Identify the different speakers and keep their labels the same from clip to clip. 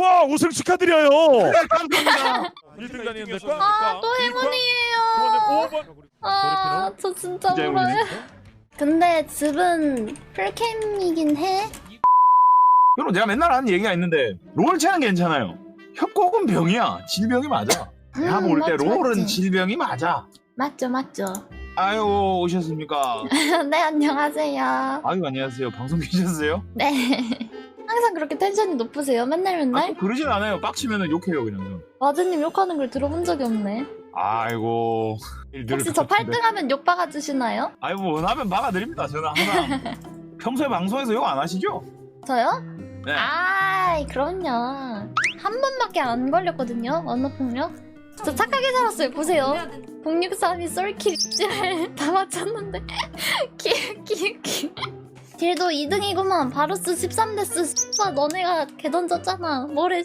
Speaker 1: 와 우승 축하드려요.
Speaker 2: 네, 감사합니다.
Speaker 1: 1등 다니는데
Speaker 3: 또 행운이에요. 저 진짜 울어요. 근데 집은 풀캠이긴 해.
Speaker 2: 여러분 내가 맨날 하는 얘기가 있는데 롤체는 괜찮아요. 협곡은 병이야. 질병이 맞아. 내가 볼 때
Speaker 3: 맞지,
Speaker 2: 롤은
Speaker 3: 맞지.
Speaker 2: 질병이 맞아.
Speaker 3: 맞죠.
Speaker 2: 아유 오셨습니까?
Speaker 3: 네, 안녕하세요.
Speaker 2: 아유 안녕하세요. 방송 계셨어요?
Speaker 3: 네. 항상 그렇게 텐션이 높으세요? 맨날?
Speaker 2: 그러진 않아요. 빡치면 욕해요 그냥.
Speaker 3: 와드님 욕하는 걸 들어본 적이 없네.
Speaker 2: 아이고.
Speaker 3: 혹시 저 8등하면 욕 박아주시나요?
Speaker 2: 아이고 원하면 막아드립니다. 저는 항상 평소에 방송에서 욕 안 하시죠?
Speaker 3: 저요?
Speaker 2: 네.
Speaker 3: 그럼요. 한 번밖에 안 걸렸거든요. 언어폭력. 저 착하게 살았어요. 보세요. 063이 쏠킬 다 맞췄는데. 키. 길도 2등이구만. 바루스 13데스. 너네가 개 던졌잖아. 뭐래.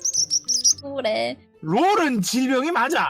Speaker 2: 롤은 질병이 맞아.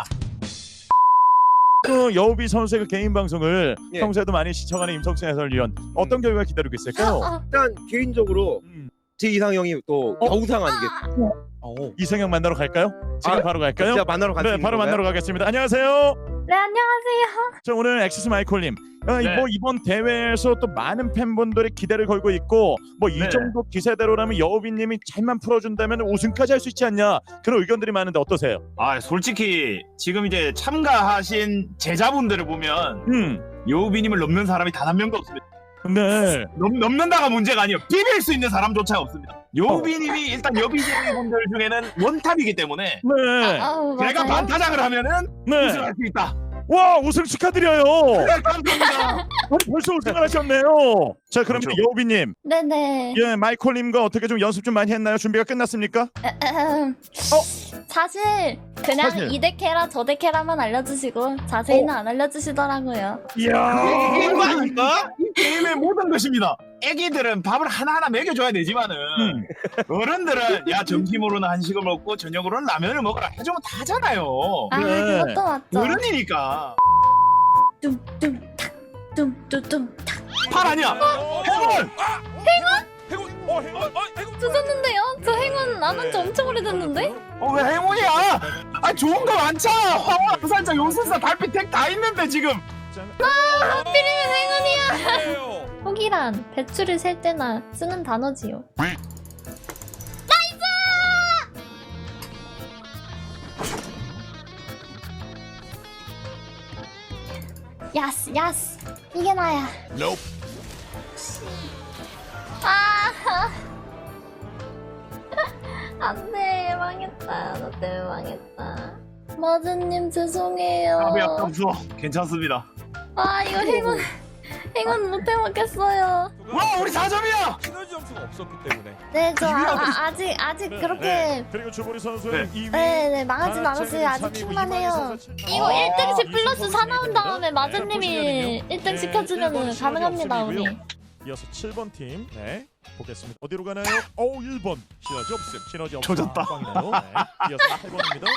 Speaker 1: 그 여우비 선수의 그 개인 방송을
Speaker 4: 예.
Speaker 1: 평소에도 많이 시청하는 임성춘 해설위원 어떤 결과 기다리고 있을까요?
Speaker 4: 일단 개인적으로 제 이상형이 또 겨우상 아니겠어요?
Speaker 1: 이성형 만나러 갈까요? 지금 바로 갈까요?
Speaker 4: 제가 만나러 갈수
Speaker 1: 네,
Speaker 4: 있는
Speaker 1: 바로
Speaker 4: 건가요?
Speaker 1: 만나러 가겠습니다. 안녕하세요.
Speaker 3: 네, 안녕하세요.
Speaker 1: 자, 오늘 엑시스 마이콜님.
Speaker 2: 네.
Speaker 1: 뭐 이번 대회에서 또 많은 팬분들이 기대를 걸고 있고 뭐 이
Speaker 2: 네.
Speaker 1: 정도 기세대로라면 여우비님이 잘만 풀어준다면 우승까지 할 수 있지 않냐 그런 의견들이 많은데 어떠세요?
Speaker 2: 아 솔직히 지금 이제 참가하신 제자분들을 보면 여우비님을 넘는 사람이 단 한 명도 없습니다.
Speaker 1: 네.
Speaker 2: 넘는다가 문제가 아니에요. 비빌 수 있는 사람조차 없습니다. 여우비님이 일단 여비제이분들 중에는 원탑이기 때문에
Speaker 1: 네.
Speaker 2: 제가
Speaker 3: 맞아요.
Speaker 2: 반타작을 하면은
Speaker 1: 네.
Speaker 2: 우승할 수 있다.
Speaker 1: 와 우승 축하드려요.
Speaker 2: 네, 감사합니다.
Speaker 1: 벌써 우승을 하셨네요. 자 그럼
Speaker 2: 그렇죠.
Speaker 1: 여우비님,
Speaker 3: 네네.
Speaker 1: 예 마이콜님과 어떻게 좀 연습 좀 많이 했나요? 준비가 끝났습니까?
Speaker 3: 사실 그냥
Speaker 1: 사실.
Speaker 3: 이 덱해라 저 덱해라만 알려주시고 자세히는 안 알려주시더라고요.
Speaker 1: 이야.
Speaker 2: 게임 아닌가? 이 게임의 모든 것입니다. 애기들은 밥을 하나하나 먹여줘야 되지만은 어른들은 야 점심으로는 한식을 먹고 저녁으로는 라면을 먹어라 해주면 다잖아요.
Speaker 1: 네.
Speaker 3: 그것도 맞죠.
Speaker 2: 어른이니까.
Speaker 3: 뚱뚱탁 뚱뚱뚱탁
Speaker 2: 팔 아니야. 행운.
Speaker 1: 행운.
Speaker 3: 주셨는데요? 저 행운 안 한 지 엄청 오래됐는데?
Speaker 2: 왜 행운이야? 아 좋은 거 많잖아. 황홀 부산자 용순사 달빛 택다 있는데 지금.
Speaker 3: 하필이면 행운이야. 혹이란 배추를 셀 때나 쓰는 단어지요. 야스 이게 나야. 안돼 망했다. 너 때문에 망했다. 마즈님 죄송해요.
Speaker 2: 답이 없어. 괜찮습니다.
Speaker 3: 이거 행운 못해 먹겠어요.
Speaker 2: 와 우리 4점이야.
Speaker 1: 시너지 점수가 없었기 때문에.
Speaker 3: 네, 저 아직 그렇게
Speaker 1: 그리고 주보리 선수는 2위.
Speaker 3: 네 망하진 않았어요. 아직 킹만해요. 이거 1등씩 플러스 4 나온 다음에 마즈님이 1등 시켜주면 가능합니다 우리.
Speaker 1: 이어서 7번 팀. 네. 보겠습니다. 어디로 가나요? 1번. 시너지 없음. 시너지 없음.
Speaker 2: 조졌다.
Speaker 1: 꽝이나요? 네. 이어서 8번입니다.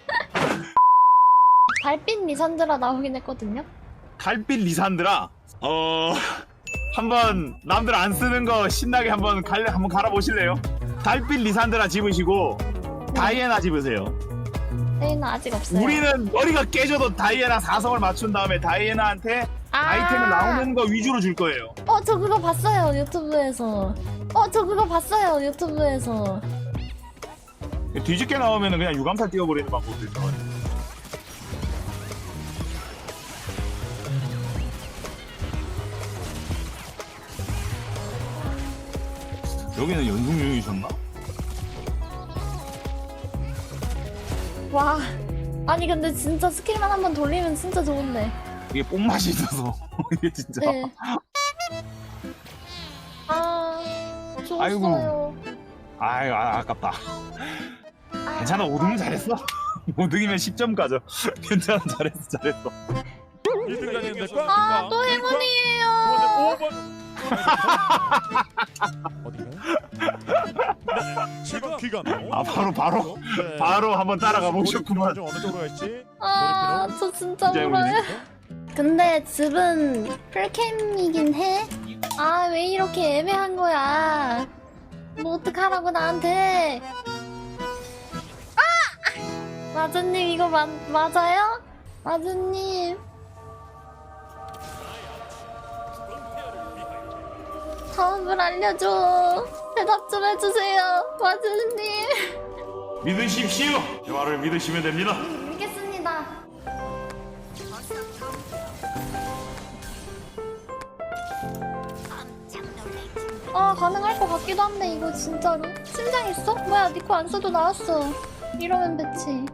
Speaker 3: 달빛 리산드라 나오긴 했거든요.
Speaker 2: 달빛 리산드라. 한번 남들 안 쓰는 거 신나게 한번 갈아보실래요? 달빛 리산드라 집으시고 다이애나 집으세요.
Speaker 3: 저희는 아직 없어요.
Speaker 2: 우리는 머리가 깨져도 다이애나 4성을 맞춘 다음에 다이애나한테 아이템을 나오는 거 위주로 줄 거예요.
Speaker 3: 저 그거 봤어요 유튜브에서.
Speaker 2: 뒤집게 나오면 그냥 유감살 띄워버리는 방법도 있어. 여기는 연속용이셨나?
Speaker 3: 와. 아니 근데 진짜 스킬만 한번 돌리면 진짜 좋은데.
Speaker 2: 이게 뽕맛이 있어서 이게 진짜.
Speaker 3: 네. 좋았어요.
Speaker 2: 아이고. 아유 아깝다. 괜찮아 5등은 잘했어. 5등이면 10점 가져. 괜찮아 잘했어.
Speaker 1: 1등 다니는데
Speaker 3: 또 행운이에요.
Speaker 1: 5번. 어디가요? 지금 귀가
Speaker 2: 바로
Speaker 1: 네.
Speaker 2: 바로 한번 따라가 보셨구만.
Speaker 1: 어느 쪽으로 갈지.
Speaker 3: 저 진짜
Speaker 2: 이제
Speaker 3: 울어요. 근데 집은 풀캠이긴 해. 왜 이렇게 애매한 거야. 뭐 어떡하라고 나한테. 마주님 이거 맞아요? 마주님. 답을 알려줘. 대답 좀 해주세요, 마주님.
Speaker 2: 믿으십시오. 제 말을 믿으시면 됩니다.
Speaker 3: 믿겠습니다. 가능할 것 같기도 한데 이거 진짜로. 심장 있어? 뭐야, 니코 안 써도 나왔어. 이러면 배치.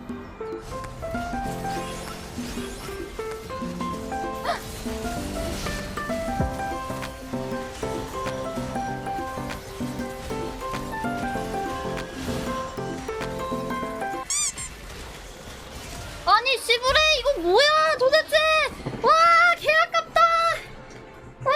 Speaker 3: 아니 씨부레 이거 뭐야 도대체. 와 개 아깝다. 와.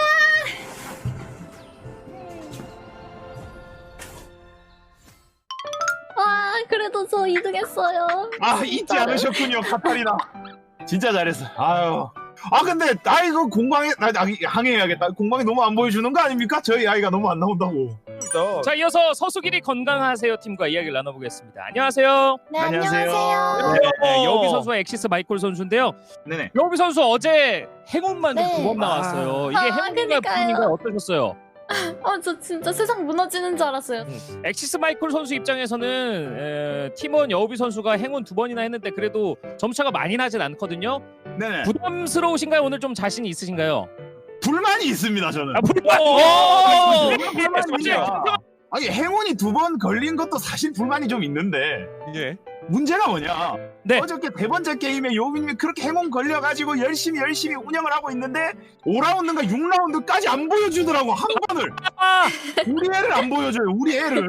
Speaker 3: 와 그래도 저 2등 했어요.
Speaker 2: 아 잊지 않으셨군요, 카타리나. 진짜 잘했어. 아유. 근데 이거 공방에 항해해야겠다. 공방에 너무 안 보여주는 거 아닙니까? 저희 아이가 너무 안 나온다고.
Speaker 5: 자, 이어서 서수길이 건강하세요 팀과 이야기를 나눠보겠습니다. 안녕하세요.
Speaker 3: 네
Speaker 2: 안녕하세요.
Speaker 3: 안녕하세요.
Speaker 5: 네, 여우비 선수와 엑시스 마이콜 선수인데요.
Speaker 2: 네네.
Speaker 5: 여우비 선수 어제 행운만
Speaker 3: 네.
Speaker 5: 2번 나왔어요. 이게
Speaker 3: 아,
Speaker 5: 행운인가요,
Speaker 3: 그러니까요.
Speaker 5: 불운인가요? 어떠셨어요?
Speaker 3: 저 진짜 세상 무너지는 줄 알았어요.
Speaker 5: 엑시스 마이콜 선수 입장에서는 팀원 여우비 선수가 행운 2번이나 했는데 그래도 점차가 많이 나진 않거든요.
Speaker 2: 네네.
Speaker 5: 부담스러우신가요? 오늘 좀 자신이 있으신가요?
Speaker 2: 불만이 있습니다, 저는.
Speaker 5: 불만!
Speaker 2: 불만이 있습니다. 아니 행운이 2번 걸린 것도 사실 불만이 좀 있는데
Speaker 1: 예.
Speaker 2: 문제가 뭐냐?
Speaker 5: 네.
Speaker 2: 어저께 3번째 게임에 요빈님이 그렇게 행운 걸려가지고 열심히 운영을 하고 있는데 5라운드인가 6라운드까지 안 보여주더라고, 한 번을. 우리 애를 안 보여줘요, 우리 애를.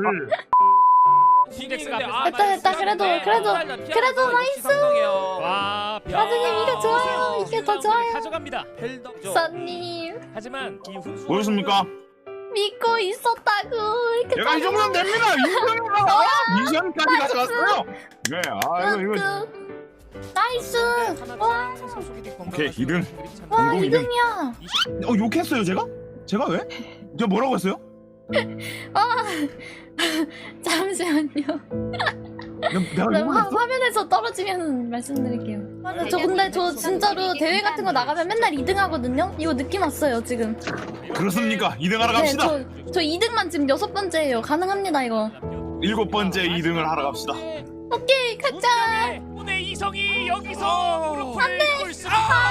Speaker 3: 됐다. 그래도 나이스.
Speaker 5: 와,
Speaker 3: 마주님 이게 좋아요. 이게 더 좋아요.
Speaker 5: 가져갑니다.
Speaker 3: 선님
Speaker 5: 하지만 이 훈수
Speaker 2: 보였습니까?
Speaker 3: 믿고 있었다고. 이렇게
Speaker 2: 내가 이 정도면 됩니다. 미션까지 가져갔어요. 네, 이거.
Speaker 3: 나이스. 와.
Speaker 2: 오케이, 2등.
Speaker 3: 와
Speaker 2: 공동 2등.
Speaker 3: 2등이야.
Speaker 2: 욕했어요, 제가? 제가 왜? 제가 뭐라고 했어요?
Speaker 3: 잠시만요.
Speaker 2: 내가
Speaker 3: 네,
Speaker 2: 욕을 했어?
Speaker 3: 화면에서 떨어지면 말씀드릴게요. 맞아, 근데 저 진짜로 대회 같은 거 나가면 맨날 2등 하거든요. 이거 느낌 왔어요 지금.
Speaker 2: 그렇습니다. 2등 하러 갑시다.
Speaker 3: 저 2등만 지금 6번째예요. 가능합니다 이거.
Speaker 2: 7번째 2등을 하러 갑시다.
Speaker 3: 오케이 가자.
Speaker 5: 오늘 이성이 여기서 굴스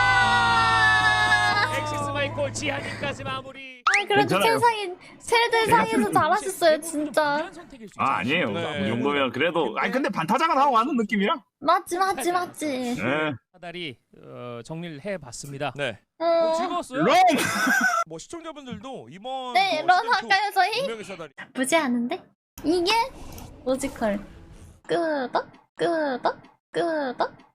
Speaker 5: 엑시스 마이콜 지한이까지 마무리.
Speaker 3: 그래도
Speaker 2: 괜찮아요.
Speaker 3: 세대상에서 잘하셨어요 진짜.
Speaker 2: 아니에요.
Speaker 1: 네.
Speaker 2: 이 정도면 그래도. 근데 반타작은 하고 가는 느낌이야.
Speaker 3: 맞지.
Speaker 2: 네.
Speaker 5: 사다리 정리를 해봤습니다.
Speaker 1: 네.
Speaker 5: 즐거웠어요?
Speaker 2: 롱!
Speaker 1: 뭐 시청자분들도 이번
Speaker 3: 네,
Speaker 1: 뭐
Speaker 3: 런
Speaker 1: 시즌2
Speaker 3: 할까요 저희?
Speaker 1: 분명히 사다리.
Speaker 3: 보지 않은데? 이게 로지컬. 끄덕.